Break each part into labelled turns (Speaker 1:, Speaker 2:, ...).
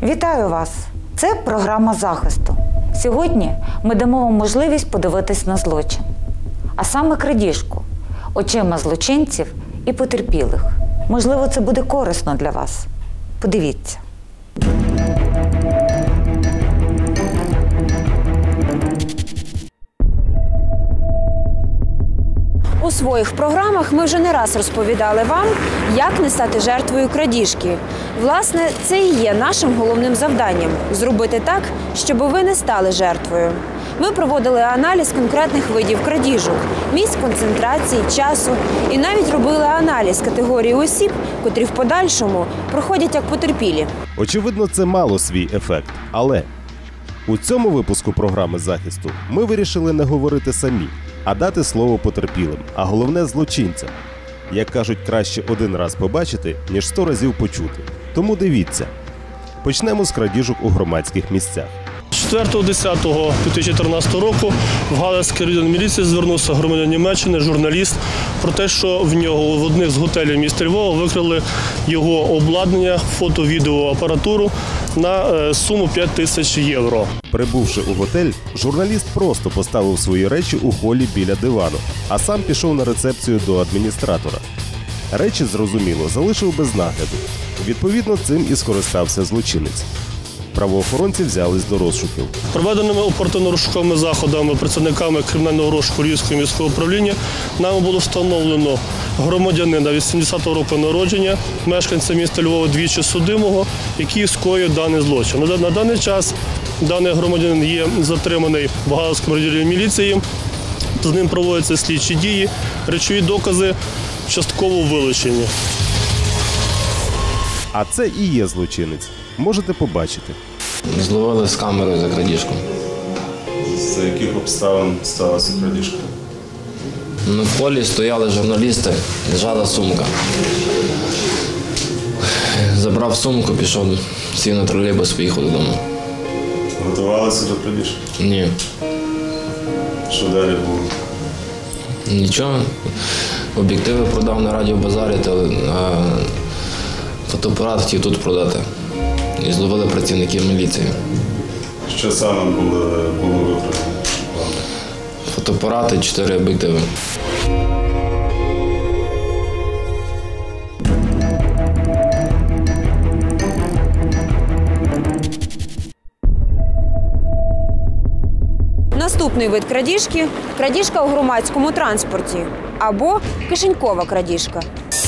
Speaker 1: Вітаю вас! Це програма захисту. Сьогодні ми дамо вам можливість подивитись на злочин. А саме крадіжку, очима злочинців і потерпілих. Можливо, це буде корисно для вас. Подивіться.
Speaker 2: У своїх програмах ми вже не раз розповідали вам, як не стати жертвою крадіжки. Власне, це і є нашим головним завданням – зробити так, щоб ви не стали жертвою. Ми проводили аналіз конкретних видів крадіжок, місць концентрації, часу і навіть робили аналіз категорії осіб, котрі в подальшому проходять як потерпілі.
Speaker 3: Очевидно, це мало свій ефект, але у цьому випуску програми захисту ми вирішили не говорити самі, а дати слово потерпілим, а головне злочинцям. Як кажуть, краще один раз побачити, ніж 100 разів почути. Тому дивіться. Почнемо з крадіжок у громадських місцях.
Speaker 4: 4.10.2014 року в Галицький район міліції звернувся громадянин Німеччини, журналіст, про те, що в нього в одних з готелів міста Львова викрали його обладнання, фото-відеоапаратуру на суму 5 тисяч євро.
Speaker 3: Прибувши у готель, журналіст просто поставив свої речі у холі біля дивану, а сам пішов на рецепцію до адміністратора. Речі, зрозуміло, залишив без нагляду. Відповідно, цим і скористався злочинець. Правоохоронці взялись до розшуків.
Speaker 4: Проведеними оперативно-розшуковими заходами працівниками кримінального розшуку Львівського міського управління нами було встановлено громадянина 80-го року народження, мешканця міста Львова, двічі судимого, який скоїв даний злочин. На даний час даний громадянин є затриманий в Галицькому районі міліції, з ним проводяться слідчі дії, речові докази частково вилучені.
Speaker 3: А це і є злочинець. Можете побачити.
Speaker 5: Зловили з камерою за крадіжку.
Speaker 3: За яких обставин сталася крадіжка?
Speaker 5: На полі стояли журналісти, лежала сумка. Забрав сумку, пішов, сів на тролейбус, поїхав додому.
Speaker 3: Готувалися до крадіжки?
Speaker 5: Ні.
Speaker 3: Що далі було?
Speaker 5: Нічого. Об'єктиви продав на радіобазарі, а фотоапарат хотів тут продати. І зловили працівників міліції.
Speaker 3: Що саме було викрадено?
Speaker 5: Фотоапарати, 4 об'єктиви.
Speaker 2: Наступний вид крадіжки – крадіжка у громадському транспорті або кишенькова крадіжка.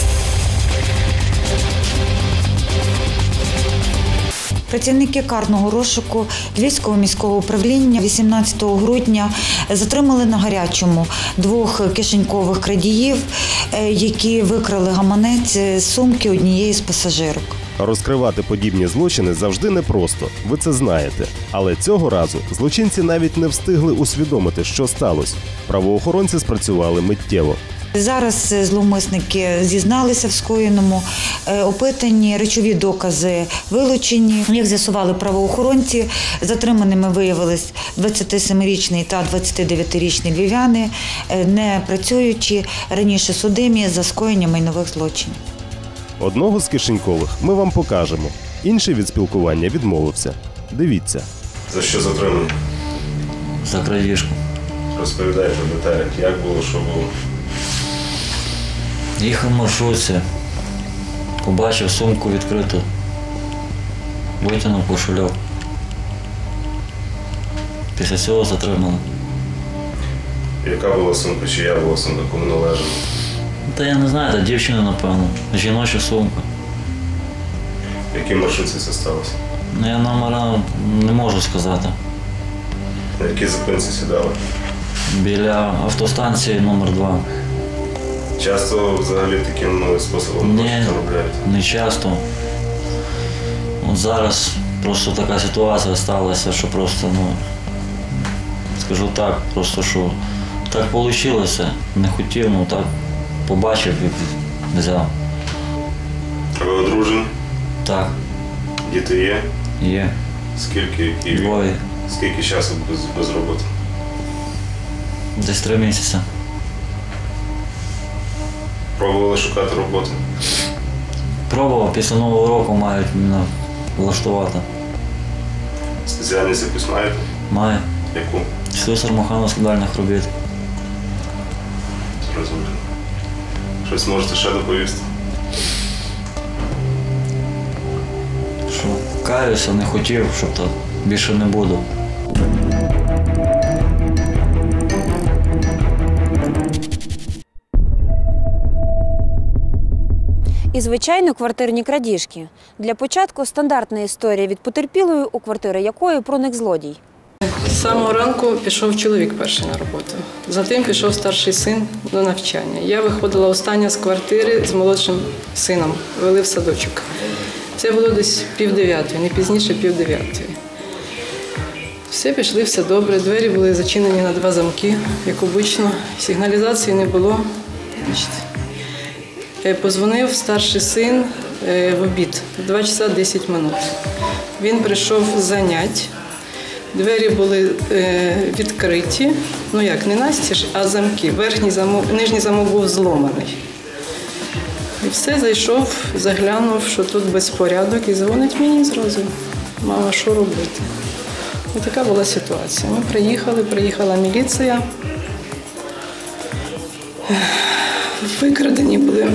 Speaker 1: Працівники карного розшуку Львівського міського управління 18 грудня затримали на гарячому 2 кишенькових крадіїв, які викрали гаманець з сумки однієї з пасажирок.
Speaker 3: Розкривати подібні злочини завжди непросто, ви це знаєте. Але цього разу злочинці навіть не встигли усвідомити, що сталося. Правоохоронці спрацювали миттєво.
Speaker 1: Зараз зловмисники зізналися в скоєному, опитані, речові докази вилучені. Як з'ясували правоохоронці, затриманими виявились 27-річний та 29-річний львів'яни, не працюючи, раніше судимі за скоєння майнових злочинів.
Speaker 3: Одного з кишенькових ми вам покажемо. Інший від спілкування відмовився. Дивіться. За що затримані?
Speaker 6: За крадіжку.
Speaker 3: Розповідайте в деталях, як було, що було.
Speaker 6: Їхав в маршрутці, побачив сумку відкриту, витягнув кошельок. Після цього затримали.
Speaker 3: Яка була сумка, чия була сумка, кому належала?
Speaker 6: Та я не знаю, та дівчина, напевно, жіноча сумка.
Speaker 3: В якій маршрутці це сталося?
Speaker 6: Я номера не можу сказати.
Speaker 3: На якій зупинці сідали?
Speaker 6: Біля автостанції номер 2.
Speaker 3: Часто взагалі таким способом гроші заробляють?
Speaker 6: Не часто. От зараз просто така ситуація сталася, що просто, скажу так, просто що так вийшло, не хотів, так побачив і взяв.
Speaker 3: Ви одружені?
Speaker 6: Так.
Speaker 3: Діти є?
Speaker 6: Є.
Speaker 3: Скільки? Які?
Speaker 6: 2.
Speaker 3: Скільки часу без роботи?
Speaker 6: Десь 3 місяці.
Speaker 3: Пробували шукати роботу?
Speaker 6: Пробував, після Нового року мають мене влаштувати.
Speaker 3: Спеціальність якусь маєте?
Speaker 6: Має.
Speaker 3: Яку?
Speaker 6: Слюсар механо-складальних робіт.
Speaker 3: Розумію. Щось можете ще доповісти?
Speaker 6: Що каюся, не хотів, щоб так більше не буду.
Speaker 2: І, звичайно, квартирні крадіжки. Для початку стандартна історія від потерпілої, у квартири якої проник злодій.
Speaker 7: З самого ранку пішов чоловік перший на роботу. Затим пішов старший син до навчання. Я виходила остання з квартири з молодшим сином, вели в садочок. Це було десь 8:30, не пізніше 8:30. Все пішли, все добре. Двері були зачинені на 2 замки, як обично. Сигналізації не було. Позвонив старший син в обід, 2 часа 10 минут. Він прийшов з занять. Двері були відкриті, ну як, не настіж, а замки. Нижній замок був зломаний. І все, зайшов, заглянув, що тут безпорядок, і дзвонить мені зразу. Мама, що робити? І така була ситуація. Ми приїхала міліція. Викрадені були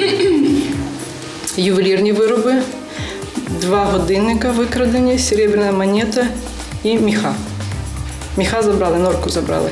Speaker 7: ювелірні вироби, 2 годинника викрадені, серебряна монета і міха. Міха забрали, норку забрали.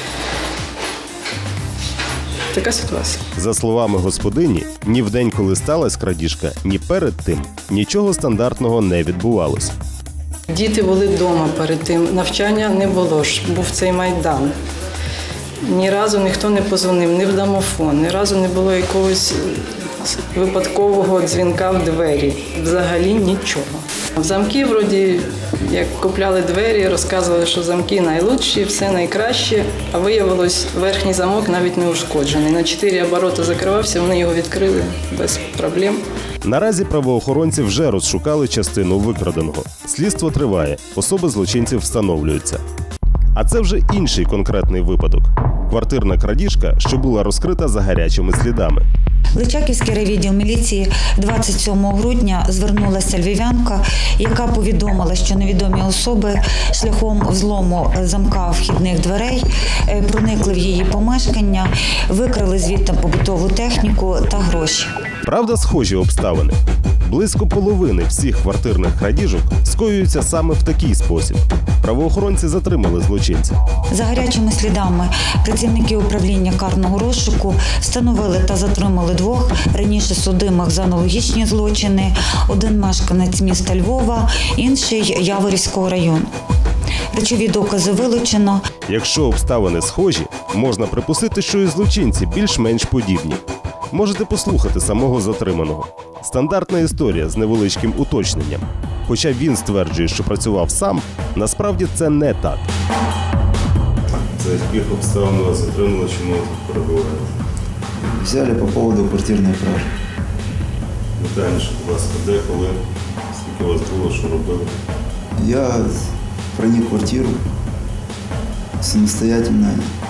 Speaker 7: Така ситуація.
Speaker 3: За словами господині, ні в день, коли сталася крадіжка, ні перед тим нічого стандартного не відбувалось.
Speaker 7: Діти були вдома перед тим, навчання не було ж, був цей Майдан. Ні разу ніхто не позвонив, ні в домофон, ні разу не було якогось випадкового дзвінка в двері. Взагалі нічого. В замки, вроді, як купляли двері, розказували, що замки найлучші, все найкраще, а виявилось, верхній замок навіть не ушкоджений. На 4 обороти закривався, вони його відкрили без проблем.
Speaker 3: Наразі правоохоронці вже розшукали частину викраденого. Слідство триває, особи злочинців встановлюються. А це вже інший конкретний випадок. Квартирна крадіжка, що була розкрита за гарячими слідами.
Speaker 1: Личаківський райвідділ міліції 27 грудня звернулася львів'янка, яка повідомила, що невідомі особи шляхом взлому замка вхідних дверей проникли в її помешкання, викрали звідти побутову техніку та гроші.
Speaker 3: Правда, схожі обставини. Близько половини всіх квартирних крадіжок скоюються саме в такий спосіб. Правоохоронці затримали злочинця.
Speaker 1: За гарячими слідами працівники управління карного розшуку встановили та затримали 2 раніше судимих за аналогічні злочини. Один мешканець міста Львова, інший Яворівського району. Речові докази вилучено.
Speaker 3: Якщо обставини схожі, можна припустити, що і злочинці більш-менш подібні. Можете послухати самого затриманого. Стандартна історія з невеличким уточненням. Хоча він стверджує, що працював сам, насправді це не так. За яких обставин вас затримали, чому тут перебуваєте?
Speaker 8: Взяли по поводу квартирной кражи.
Speaker 3: Детальніше, будь ласка, де, коли, скільки у вас було, що робили?
Speaker 8: Я проник в квартиру самостоятельно.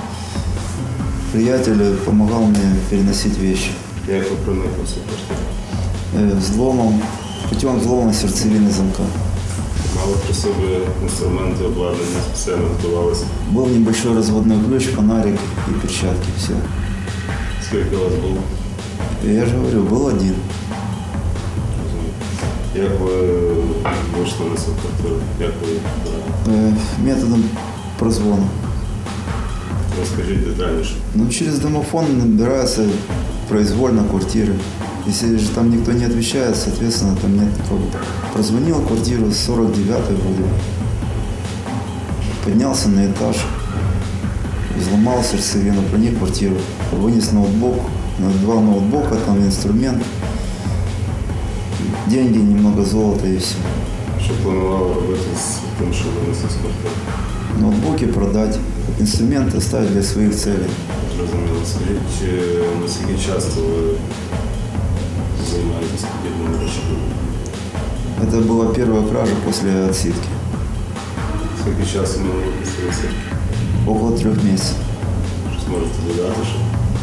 Speaker 8: Приятель помогал мне переносить вещи.
Speaker 3: Як ви проникли в цю квартиру?
Speaker 8: Взломом, путем взлома сердцевины замка.
Speaker 3: Мали при собі інструменти, обладнання, спеціально готувалися.
Speaker 8: Был небольшой разводной ключ, фонарик и перчатки, все.
Speaker 3: Скільки у вас було?
Speaker 8: Я же говорю, был один.
Speaker 3: Як ви вийшли на цю квартиру? Як ви її брали?
Speaker 8: Методом прозвона.
Speaker 3: Розкажіть детальніше.
Speaker 8: Ну, через домофон набирается произвольно квартиры. Если же там никто не отвечает, соответственно, там нет никого. Прозвонил квартиру 49-й вроде. Поднялся на этаж, взломал сердцевину, проник в квартиру, вынес ноутбук, 2 ноутбука, там инструмент, деньги, немного золота и все.
Speaker 3: Що планували робити з тим, що винесли з квартири?
Speaker 8: Ноутбуки продать, инструменты оставить для своих целей.
Speaker 3: Зрозуміло. Скажіть, наскільки часто ви займаєтесь подібними речами?
Speaker 8: Это была первая кража после отсидки.
Speaker 3: Скільки часу ми випустилися?
Speaker 8: Около 3 месяцев.
Speaker 3: Щось можете додати, що?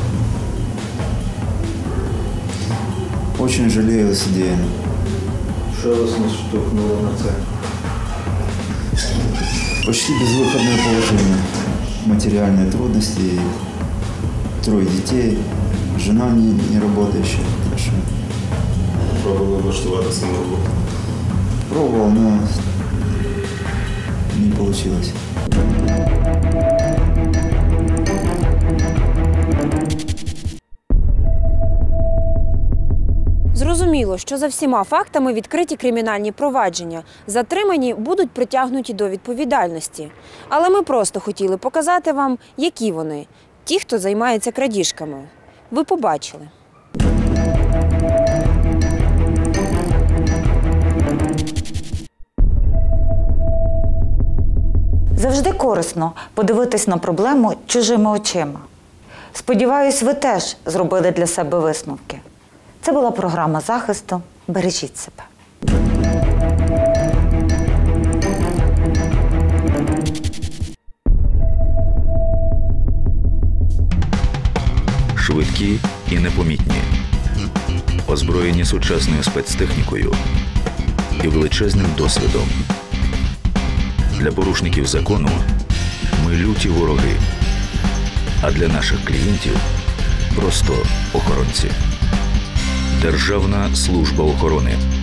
Speaker 8: Очень жалею содеянным.
Speaker 9: Що вас наштовхнуло на це?
Speaker 8: почти безвыходное положение. Материальные трудности, 3 детей, жена не работающая. Так что
Speaker 3: Пробували влаштуватися на роботу.
Speaker 8: пробовал, но не получилось.
Speaker 2: Зрозуміло, що за всіма фактами відкриті кримінальні провадження. Затримані будуть притягнуті до відповідальності. Але ми просто хотіли показати вам, які вони – ті, хто займається крадіжками. Ви побачили.
Speaker 1: Завжди корисно подивитись на проблему чужими очима. Сподіваюсь, ви теж зробили для себе висновки. Це була програма захисту. Бережіть себе.
Speaker 9: Швидкі і непомітні, озброєні сучасною спецтехнікою і величезним досвідом. Для порушників закону ми люті вороги, а для наших клієнтів просто охоронці. Державна служба охорони.